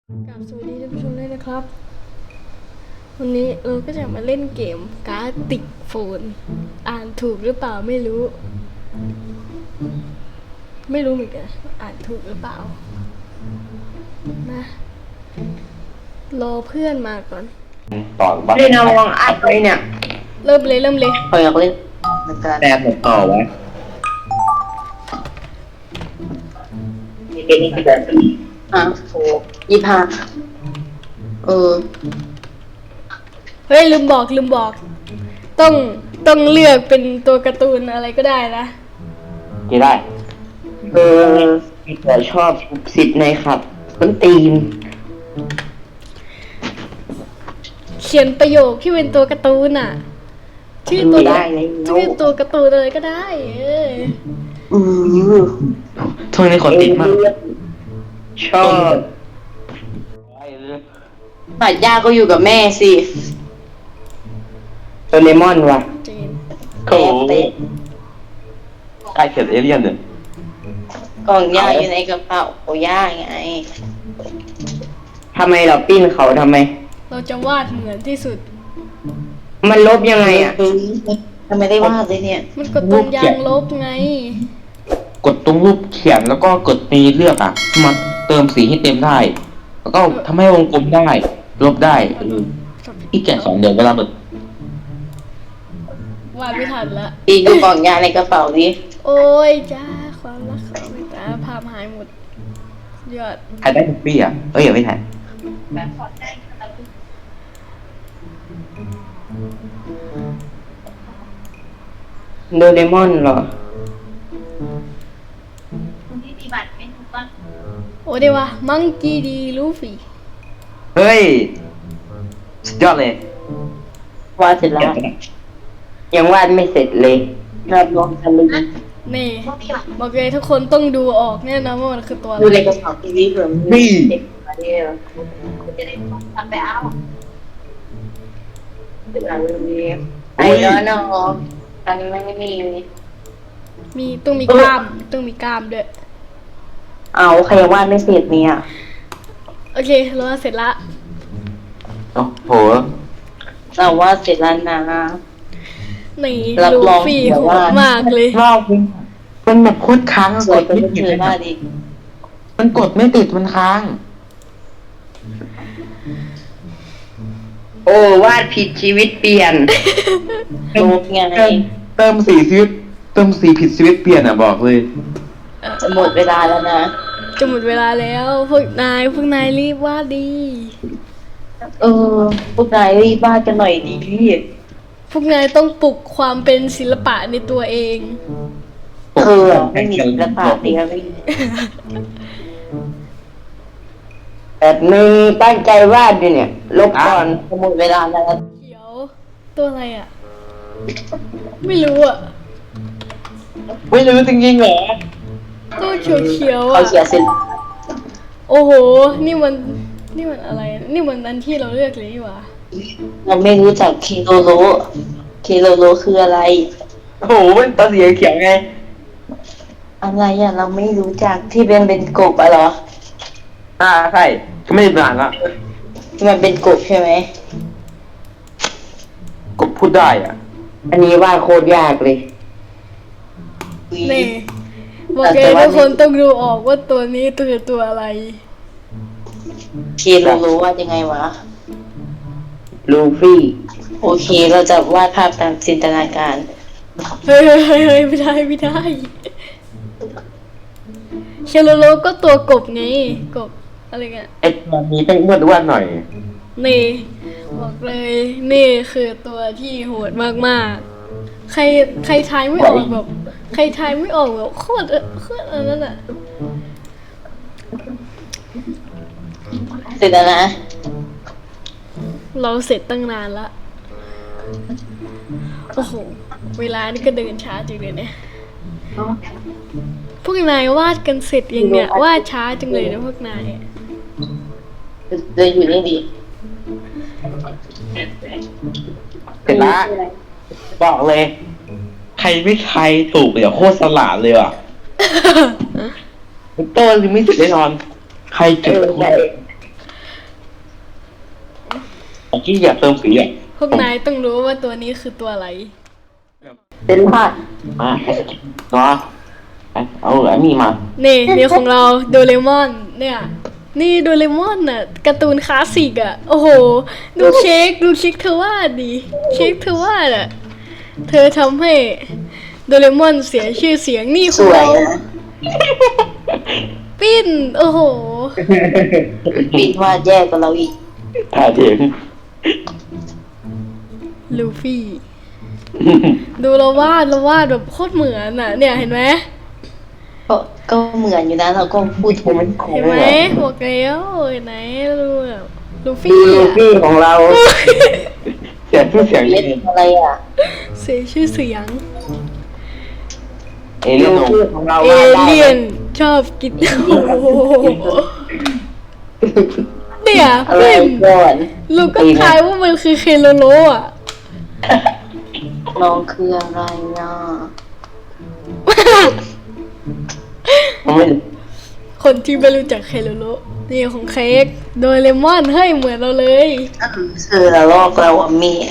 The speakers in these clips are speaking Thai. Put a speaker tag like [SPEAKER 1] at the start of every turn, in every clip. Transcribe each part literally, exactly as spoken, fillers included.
[SPEAKER 1] กราบสวัสดีท่านผู้ชมด้วยนะครับวันนี้เราก็จะมาเล่นเกมการ์ดติกโฟนอ่านถูกหรือเปล่าไม่รู้ ไม่รู้เหมือนกันอ่านถูกหรือเปล่านะรอเพื่อนมาก่อน
[SPEAKER 2] ต่อบ้า
[SPEAKER 3] เล่นเอาวางอัดไว้เนี่ย
[SPEAKER 1] เริ่มเลยเริ่มเลย
[SPEAKER 3] เขาอยากเล่นเหมือนกัน
[SPEAKER 2] แต่ผมต่อไว้
[SPEAKER 3] เป็นอีกแบบอ่ะโหยี่ห้าเออ
[SPEAKER 1] เฮ้ยลืมบอกลืมบอก ต้องต้องเลือกเป็นตัวการ์ตูนอะไรก็ได้นะ
[SPEAKER 2] กี่ได้
[SPEAKER 3] เออแต่ชอบสิทธิ์ในครับต้นตีน
[SPEAKER 1] เขียนประโยคที่เป็นตัวการ์ตูนอ่ะชื่อตัวชื่อตัวการ์ตูนอะไรก็ได้เออ
[SPEAKER 3] อือ
[SPEAKER 2] ทนในขอติดมาก
[SPEAKER 3] ชอบปัดยาก็อยู่กับแม่สิโดเรมอนว่ะ
[SPEAKER 1] เจน
[SPEAKER 2] โอ้ใกล้เขียนเอเลี่ยนเลย
[SPEAKER 3] กล่องยาอยู่ในกระเป๋าโอ้ย่าไงทำไมเราปิ้นเขาทำไม
[SPEAKER 1] เราจะวาดเหมือนที่สุด
[SPEAKER 3] มันลบยังไงอ่ะทำไมได้วาดเลยเนี่ย
[SPEAKER 1] มันกดตรงยางลบไง
[SPEAKER 2] กดตรงรูปเขียนแล้วก็กดตีเลือกอ่ะมาเติมสีให้เต็มได้แล้วก็ทำให้วงกลมได้ลบได้อีกแกะสองเดือนเวลาเบิด
[SPEAKER 1] วาดไม่ทันละ
[SPEAKER 3] ตีดูกล่องยาในกระเป๋าดิ
[SPEAKER 1] โอ้ยจ้าความรักเขาไม่ตาภาพหายหมดยอด
[SPEAKER 2] ใครได้ทุกปีอ่ะเอ้ยอย่าไม่ถ่าย
[SPEAKER 3] โดเรมอนเหรอ
[SPEAKER 1] โอ้เดี๋ยววะมังกี้ดีลูฟี่
[SPEAKER 2] เฮ้ยสุดยอดเลยว
[SPEAKER 3] าดเสร็จแล้วยังวาดไม่เสร็จเลยรับรองทะลึ่ง
[SPEAKER 1] นี่บอกเลยทุกคนต้องดูออกแน่นอนว่ามันคือตัวอะไร
[SPEAKER 3] ดูในกระเป๋าทีวีเผื่อมัน
[SPEAKER 2] นี่
[SPEAKER 3] คุณจะได้ทำไปเอาเป็นอะไรนี้ไอ้น้องน้องอันนี้ไม่มี
[SPEAKER 1] มีต้องมีกล้ามต้องมีกล้ามด้วย
[SPEAKER 3] เอาใครวาดไม่เสร็จเนี่ย
[SPEAKER 1] โอเคเราเสร็จละ
[SPEAKER 2] โอ้โห
[SPEAKER 3] เราวาดเสร็จแล้วนะ
[SPEAKER 1] นี่ลูฟี่โหดมากเลย
[SPEAKER 2] รอบมันแบบโคตรค้าง
[SPEAKER 3] กดไม่ติดเลย
[SPEAKER 2] มันกดไม่ติดมันค้าง
[SPEAKER 3] โอ้วาดผิดชีวิตเปลี่ยนลบไง
[SPEAKER 2] เติมสีชีวิตเติมสีผิดชีวิตเปลี่ยนอ่ะบอกเลย
[SPEAKER 3] จะหมดเวลาแล้วนะ
[SPEAKER 1] จะหมดเวลาแล้วพวกนายพวกนายรีบวาดดี
[SPEAKER 3] เออพวกนายรีบวาดกันหน่อยดี
[SPEAKER 1] พวกนายต้องปลุกความเป็นศิลปะในตัวเอง
[SPEAKER 3] เออไม่มีศิลปะเดียวไม่แบบนึงตั้งใจวาดดิเนี่ยลบก่อนหมดเวลาแล้ว
[SPEAKER 1] เขียวตัวอะไรอ่ะไม่รู้อ่ะ
[SPEAKER 2] ไม่รู้จริงๆเหรอ
[SPEAKER 1] ตัวเขียวเขียว
[SPEAKER 3] อ่ะเขาเขียนเสร็จ
[SPEAKER 1] โอ้โหนี่มันนี่มันอะไรนี่มันอันที่เราเลือกเลยนี่หว่า
[SPEAKER 3] เราไม่รู้จักเคโลโลเคโลโลคืออะไร
[SPEAKER 2] โอ้โหมันตัวสีเขียวไง
[SPEAKER 3] อะไรอ่ะเราไม่รู้จักที่เป็นเป็นกบอะเหรอ
[SPEAKER 2] อ่าใช่ก็ไม่ได้นานละ
[SPEAKER 3] ที่มันเป็นกบใช่ไหม
[SPEAKER 2] กบพูดได้อ่ะ
[SPEAKER 3] อันนี้วาดโคตรยากเลย
[SPEAKER 1] นี่บอกเลยทุกคนต้องดูออกว่าตัวนี้ตัวตัวอะไร
[SPEAKER 3] เคโลโลวาดยังไงวะลูฟี่โอเคเราจะวาดภาพตามจินตนาการ
[SPEAKER 1] เฮ้ยเฮ้ยเฮ้ยไม่ได้ไม่ได้เคโลโลก็ตัวกบไงกบอะไรเงี้ย
[SPEAKER 2] ไอ้ตัวนี้ต้องวาดวาดหน่อย
[SPEAKER 1] นี่บอกเลยนี่คือตัวที่โหดมากๆใครใครทายไม่ออกแบบใครทายไม่ออกแบบโคตรโคตรอันนั้นอ่ะ
[SPEAKER 3] เสร็จแล้วนะ
[SPEAKER 1] เราเสร็จตั้งนานละโอ้โหเวลานี่ก็เดินช้าจริงเลยเนี่ยพวกนายวาดกันเสร็จยังเนี่ยวาดช้าจังเลยนะพวกนาย
[SPEAKER 3] เดินอยู่นี่ดี
[SPEAKER 2] เสร็จละบอกเลยใครไม่ใครถูกเดี๋ยวโคตรสลาดเลยอ่ะโต้ยังไม่เสร็จแน่นอนใครเก็บที่อยากเติมสีอ่ะ
[SPEAKER 1] พวกนายต้องรู้ว่าตัวนี้คือตัวอะไร
[SPEAKER 3] เป็นผ้า
[SPEAKER 2] มาเนาะเอาอันนี้มา
[SPEAKER 1] นี่นี่ของเราโดเรมอนเนี่ย นี่โดเรมอนน่ะการ์ตูนคลาสสิกอ่ะ โอ้โห ดูเค้กดูเค้กเธอวาดดิเค้กเธอวาดอ่ะ เธอทำให้โดเรมอนเสียชื่อเสียงนี่ข
[SPEAKER 3] ส
[SPEAKER 1] อง
[SPEAKER 3] วย
[SPEAKER 1] เรา
[SPEAKER 3] นะ
[SPEAKER 1] ปิ้น โอ้โห
[SPEAKER 3] ปิดวาดแย่กว่าเราอีก
[SPEAKER 2] ถ่ายเถียง
[SPEAKER 1] ลูฟี่ ดูเราวาดเราวาดแบบโคตรเหมือนอ่ะ เนี่ยเห็นไหม
[SPEAKER 3] ก็ก็เหมือนอยู่นะเราก็พูดถูก
[SPEAKER 2] มันโค้
[SPEAKER 1] เห็น
[SPEAKER 2] ง
[SPEAKER 1] ไหม
[SPEAKER 2] เหรอ
[SPEAKER 1] บอกแล้วเห็นไหนดูแบบลู
[SPEAKER 2] ดู
[SPEAKER 1] ฟี่
[SPEAKER 2] ลู
[SPEAKER 1] อ่ะ
[SPEAKER 2] ฟี่ของเรา เสียงชื่อเสียง
[SPEAKER 3] เล่
[SPEAKER 2] เล่
[SPEAKER 3] น
[SPEAKER 2] น
[SPEAKER 3] อะไรอ่ะ
[SPEAKER 1] เสียชื่อเสียง
[SPEAKER 2] เอเลี่ยนของเรา
[SPEAKER 1] เอเลี่ยนชอบกินโอ้โหเนี่ย
[SPEAKER 3] อะไร
[SPEAKER 1] ปิ้น
[SPEAKER 3] ก่อน
[SPEAKER 1] ลูกก็ทายว่ามันคือเคโลโลอ่ะ
[SPEAKER 3] น้องคืออะไรอ่ะ
[SPEAKER 2] มันไม่
[SPEAKER 1] คนที่ไม่รู้จักเคโลโลนี่ของเค้กโดเรมอนให้เหมือนเราเลย
[SPEAKER 3] เธอละลอกเราอ่ะเมีย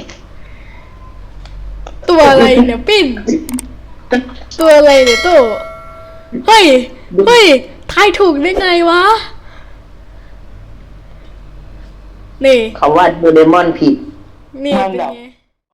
[SPEAKER 1] ตัวอะไรเนี่ยปิ้น ตัวอะไรเนี่ยโตเฮ้ย เฮ้ย ทายถูกได้ไงวะ นี่
[SPEAKER 3] เขาวาดโดเรมอนผิด
[SPEAKER 1] นี่เป็นไง